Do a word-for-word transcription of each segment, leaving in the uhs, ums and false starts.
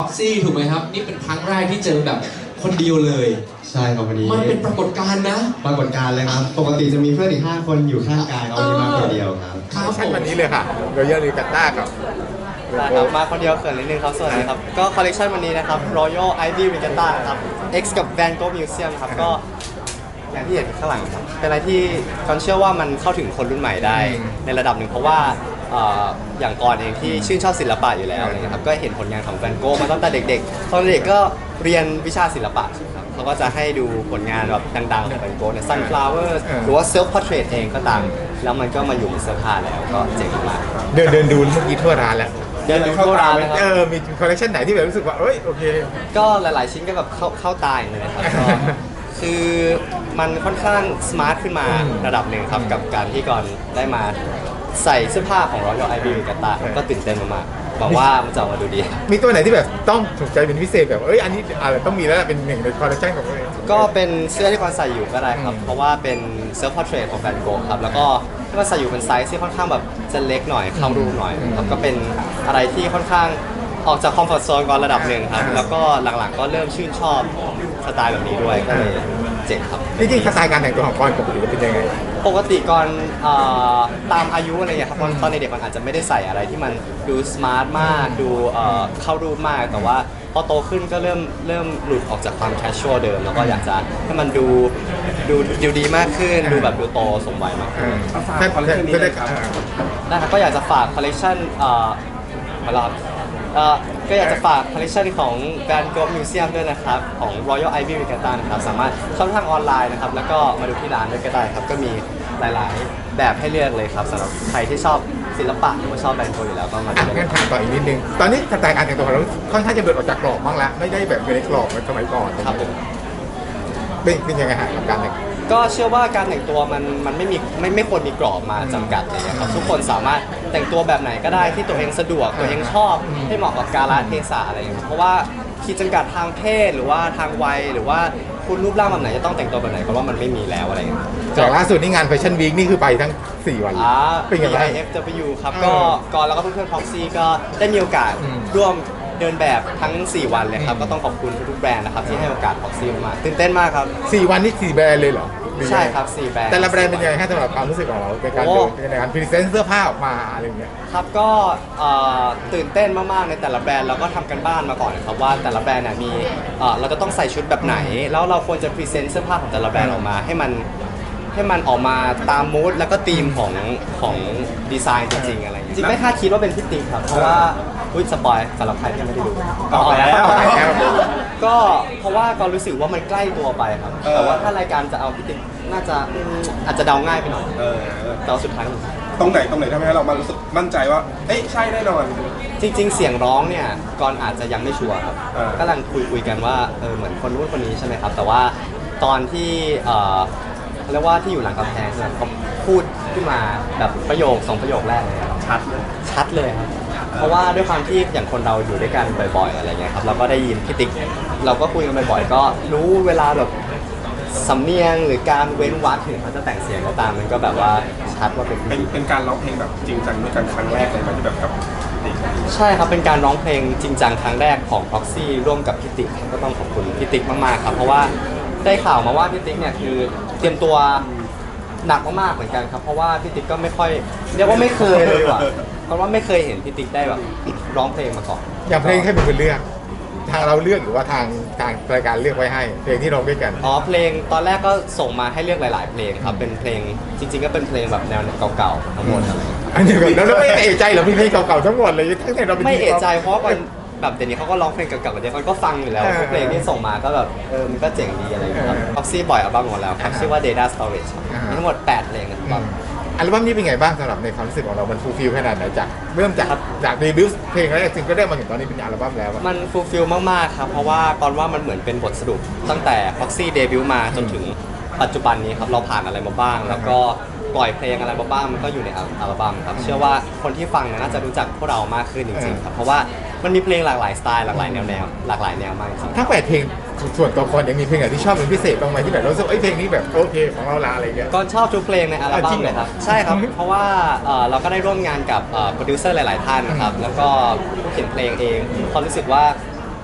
็อกซี่ถูกไหมครับนี่เป็นครั้งแรกที่เจอแบบคนเดียวเลยใช่ครับวันนี้มันเป็นปรากฏการณ์นะปรากฏการณ์เลยครับปกติจะมีเพื่อนอีกห้าคนอยู่ข้างกายเอาวันนี้มาคนเดียวครับครับผมวันนี้เลยค่ะโรยัลลิกัตต้ากับได้ครับมาคนเดียวเขินนิดนึงครับสวัสดีครับก็คอลเลคชันวันนี้นะครับ Royal Ivy Regatta ครับ X กับ Van Gogh Museum ครับก็อย่างที่เห็นข้างหลังครับเป็นอะไรที่ก่อนเชื่อว่ามันเข้าถึงคนรุ่นใหม่ได้ในระดับหนึ่งเพราะว่าเอ่ออย่างก่อนเองที่ชื่นชอบศิลปะอยู่แล้วนะครับก็เห็นผลงานของแวนโกมาตั้งแต่เด็กๆตอนเด็กก็เรียนวิชาศิลปะครับเขาก็จะให้ดูผลงานแบบดังๆของแวนโกเนี่ย Sunflowers หรือว่า Self Portrait เองก็ตามแล้วมันก็มาอยู่ในเสื้อผ้าแล้วก็เจ๋งมากเดินเดินดูเมื่อกี้ทั่วร้านแล้วเดินดูทั่วร้านนะครับเออมีคอลเลคชันไหนที่แบบรู้สึกว่าเอ้ยโอเคก็หลายๆชิ้นก็แบบเข้าเข้าตาอย่างเลยนะครับก็คือมันค่อนข้างสมาร์ทขึ้นมาระดับหนึ่งครับกับการที่ก่อนได้มาใส่เสื้อผ้าของ Royal Ivy Regatta ก็ตื่นเต้นมากๆหวังว่ามันจะออกมาดูดีมีตัวไหนที่แบบต้องถูกใจเป็นพิเศษแบบเอ้ยอันนี้อะไรต้องมีแล้วเป็นหนึ่งในคอลเลคชันของตัวเองก็เป็นเสื้อที่ก่อนใส่อยู่ก็ได้ครับเพราะว่าเป็น Self Portrait ของแวนโกะครับแล้วก็ที่ก่อนใส่อยู่เป็นไซส์ที่ค่อนข้างแบบจะเล็กหน่อยเข้ารูหน่อยครับก็เป็นอะไรที่ค่อนข้างออกจากคอมฟอร์ทโซนก่อนระดับหนึ่งครับแล้วก็หลังๆก็เริ่มชื่นชอบสไตล์แบบนี้ด้วยก็เลยเจ๋งครับจริงๆสไตล์การแต่งตัวของกอนปกติเป็นยังไงปกติก่อนตามอายุอะไรอย่างเงี้ยครับตอนในเด็กมันอาจจะไม่ได้ใส่อะไรที่มันดูสมาร์ทมากดูเข้ารูปมากแต่ว่าพอโตขึ้นก็เริ่มเริ่มหลุดออกจากความแคชชวลเดิมแล้วก็อยากจะให้มันดูดูดูดีมากขึ้นดูแบบดูโตสมวัยมากขึ้นฝากคอลเลคชันนี้เลยครับได้ครับก็อยากจะฝากคอลเลคชันมาลอดก็อยากจะฝากคอลเลคชันของ Van Gogh Museum ด้วยนะครับของ Royal Ivy Regatta นะครับสามารถช่องทางออนไลน์นะครับแล้วก็มาดูที่ร้านด้วยก็ได้ครับก็มีหลายๆแบบให้เลือกเลยครับสำหรับใครที่ชอบศิลปะหรือว่าชอบแบรนด์โกอยู่แล้วก็มาดูกันถามต่ออีกนิดนึงตอนนี้สไตล์การแต่งตัวของเราค่อนข้างจะเดินออกจากกรอบบ้างแล้วไม่ได้แบบอยู่ในกรอบเหมือนสมัยก่อนครับผมเป็นเป็นยังไงฮะกับการแต่งก็เชื่อว่าการแต่งตัวมันมันไม่มีไม่ไม่ควรมีกรอบมาจำกัดเลยนะครับทุกคนสามารถแต่งตัวแบบไหนก็ได้ที่ตัวเองสะดวกตัวเองชอบให้เหมาะกับกาลเทศะอะไรอย่างเงี้ยเพราะว่าขีดจำกัดทางเพศหรือว่าทางวัยหรือว่าคุณรูปร่างแบบไหนจะต้องแต่งตัวแบบไหนเพราะว่ามันไม่มีแล้วอะไรอย่างเงี้ยจากล่าสุดนี่งานแฟชั่นวีคนี่คือไปทั้งสี่วันเป็นไงบ้าง ไอ เอฟ ดับเบิลยู ครับก็ก่อนแล้วก็เพื่อนๆ Proxy ก็ได้มีโอกาสร่วมเดินแบบทั้งสี่วันเลยครับก็ต้องขอบคุณทุกๆแบรนด์นะครับที่ให้โอกาส Proxy มาตื่นเต้นมากครับสี่วันนี่สี่แบรนด์เลยเหรอใช่ครับสี่แบรนด์แต่ละแบรนด์เป็นยังไงสำหรับความรู้สึกของเราในการเดินในการพรีเซนต์เสื้อผ้าออกมาอะไรอย่างเงี้ยครับก็ตื่นเต้นมากๆในแต่ละแบรนด์เราก็ทำกันบ้านมาก่อนครับว่าแต่ละแบรนด์เนี่ยมีเราจะต้องใส่ชุดแบบไหนแล้วเราควรจะพรีเซนต์เสื้อผ้าของแต่ละแบรนด์ออกมาให้มันให้มันออกมาตามมูดแล้วก็ธีมของของดีไซน์จริงๆอะไรจริงไม่คาดคิดว่าเป็นพี่ติ๊กครับเพราะว่าอุ้ยสปอยสำหรับใครที่ไม่ได้ดูออกแล้วก็เพราะว่าก็รู้สึกว่ามันใกล้ตัวไปครับแต่ว่าถ้ารายการจะเอาพี่ติ๊กน่าจะอาจจะเดาง่ายไปหน่อยแต่สุดท้ายตรงไหนตรงไหนทำให้เรามารู้สึกมั่นใจว่าเอ้ยใช่แน่นอนจริงๆเสียงร้องเนี่ยก่อนอาจจะยังไม่ชัวร์ครับกำลังคุยคุยกันว่าเออเหมือนคนนู้นคนนี้ใช่ไหมครับแต่ว่าตอนที่เออเรียกว่าที่อยู่หลังกำแพงเนี่ยเขาพูดขึ้นมาแบบประโยคสองประโยคแรกเลยชัดชัดเลยครับเพราะว่าด้วยความที่อย่างคนเราอยู่ด้วยกันบ่อยๆอะไรเงี้ยครับเราก็ได้ยินพี่ติ๊กเราก็คุยกันบ่อยๆก็รู้เวลาแบบสำเนียงหรือการเว้นวรรคถึงเขาจะแต่งเสียงก็ตามมันก็แบบว่าชัดว่าเป็นเป็นเป็นการร้องเพลงแบบจริงจังด้วยกันครั้งแรกเลยมันที่แบบกับใช่ครับเป็นการร้องเพลงจริงจังครั้งแรกของ Proxy ร่วมกับพี่ติ๊กก็ต้องขอบคุณพี่ติ๊กมากๆครับเพราะว่าได้ข่าวมาว่าพี่ติ๊กเนี่ยคือเตรียมตัวหนักมากๆเหมือนกันครับเพราะว่าพี่ติ๊กก็ไม่ค่อยเรียกว่าไม่เคยเลยว่ะเพราะว่าไม่เคยเห็นพี่ติ๊กได้แบบร้องเพลงมาก่อนอย่างเพลงให้เป็นคนเลือกทางเราเลือกหรือว่าทางทางรายการเลือกไว้ให้เพลงที่ร้องด้วยกันอ๋อเพลงตอนแรกก็ส่งมาให้เลือกหลาย ๆ เพลงครับเป็นเพลงจริง ๆ ก็เป็นเพลงแบบแนวเก่าๆทั้งหมดอะไรอันนี้แล้วเราไม่เอะใจเหรอมีเพลงเก่าๆทั้งหมดเลยทั้งแต่เราไม่เอะใจเพราะว่าแบบเดี๋ยวนี้เขาก็ร้องเพลงเก่าๆกันเยอะมันก็ฟังอยู่แล้วเพลงที่ส่งมาก็แบบเออมันก็เจ๋งดีอะไรอย่างเงี้ยครับ Proxy ปล่อยอัลบั้มหมดแล้วครับชื่อว่า Data Storage มีทั้งหมดแปดเพลงนะครับอัลบั้มนี้เป็นไงบ้างสำหรับในความรู้สึกของเรามันฟูลฟิลขนาดไหนจากเริ่มจากจากเดบิวต์เพลงแรกซิงก็ได้มาถึงตอนนี้เป็นอัลบั้มแล้วมันฟูลฟิลมากๆครับเพราะว่าก่อนว่ามันเหมือนเป็นบทสรุปตั้งแต่ Proxy เดบิวต์มาจนถึงปัจจุบันนี้ครับเราผ่านอะไรมาบ้างแล้วก็ปล่อยเพลงอะไรมาบ้างมันก็อยู่ในอัลบั้มครับเชื่อว่าคนที่ฟังน่าจะรู้จักพวกเรามากขึ้นจริงๆครับเพราะว่ามันมีเพลงหลากหลายสไตล์หลากหลายแนวแนวหลากหลายแนวมากจริงทั้งแปดเพลงส่วนตัวคนยังมีเพลงไหนที่ชอบเป็นพิเศษบ้างไหมที่แบบรู้สึกไอ้เพลงนี้แบบโอเคของเราละอะไรเงี้ยก็ชอบทุกเพลงในอัลบั้มเลยครับใช่ครับเพราะว่าเราก็ได้ร่วมงานกับโปรดิวเซอร์หลายๆท่านนะครับแล้วก็ผู้เขียนเพลงเองเขารู้สึกว่า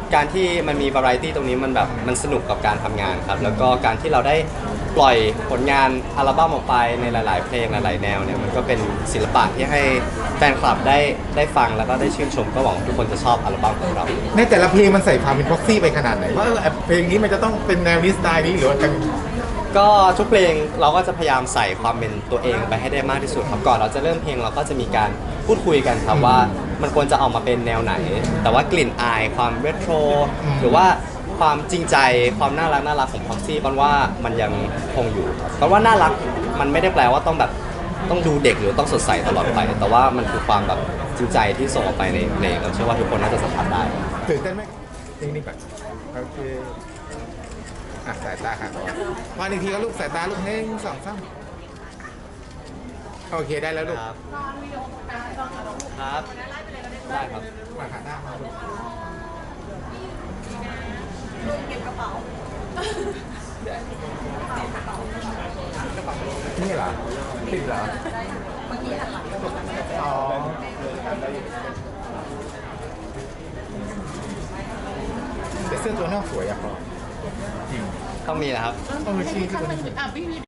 การที่มันมีวาไรตี้ตรงนี้มันแบบมันสนุกกับการทำงานครับแล้วก็การที่เราได้ปล่อยผลงานอัลบั้มออกไปในหลาย ๆ เพลงหลาย ๆ แนวเนี่ยมันก็เป็นศิลปะที่ให้แฟนคลับได้ได้ฟังแล้วก็ได้ชื่นชมก็หวังว่าทุกคนจะชอบอัลบั้มของเราในแต่ละเพลงมันใส่ความเป็นพ็อกซี่ไปขนาดไหนว่าเออเพลงนี้มันจะต้องเป็นแนวนี้สไตล์นี้หรือว่าจะก็ทุกเพลงเราก็จะพยายามใส่ความเป็นตัวเองไปให้ได้มากที่สุดครับก่อนเราจะเริ่มเพลงเราก็จะมีการพูดคุยกันครับว่ามันควรจะออกมาเป็นแนวไหน แต่ว่ากลิ่นอายความเรโทรหรือว่าความจริงใจความน่ารักน่ารักของพ็อกซี่กันว่ามันยังคงอยู่เพราะว่าน่ารักมันไม่ได้แปลว่าต้องแบบต้องดูเด็กหรือต้องสดใสตลอดไป แต่ว่ามันคือความแบบจริงใจที่ส่งออกไปในเพลงเราเชื่อว่าทุกคนน่าจะสัมผัสได้ตื่นเต้นไหมเพลงนี้ก่อนโอเคอ่ะสายตาค่ะต่อมาหนึ่งทีก็ลูกสายตาลูกหนึ่งสองสามโอเคได้แล้วลูกครับ ครับ ได้ครับมาขาหน้ามาลูกนี่เหรอติดเหรออ๋อแต่เสื้อตัวนอกสวยอะพอจริงต้องมีนะครับต้องมีชื่อที่ตัวนี้อ่ะพี่วิ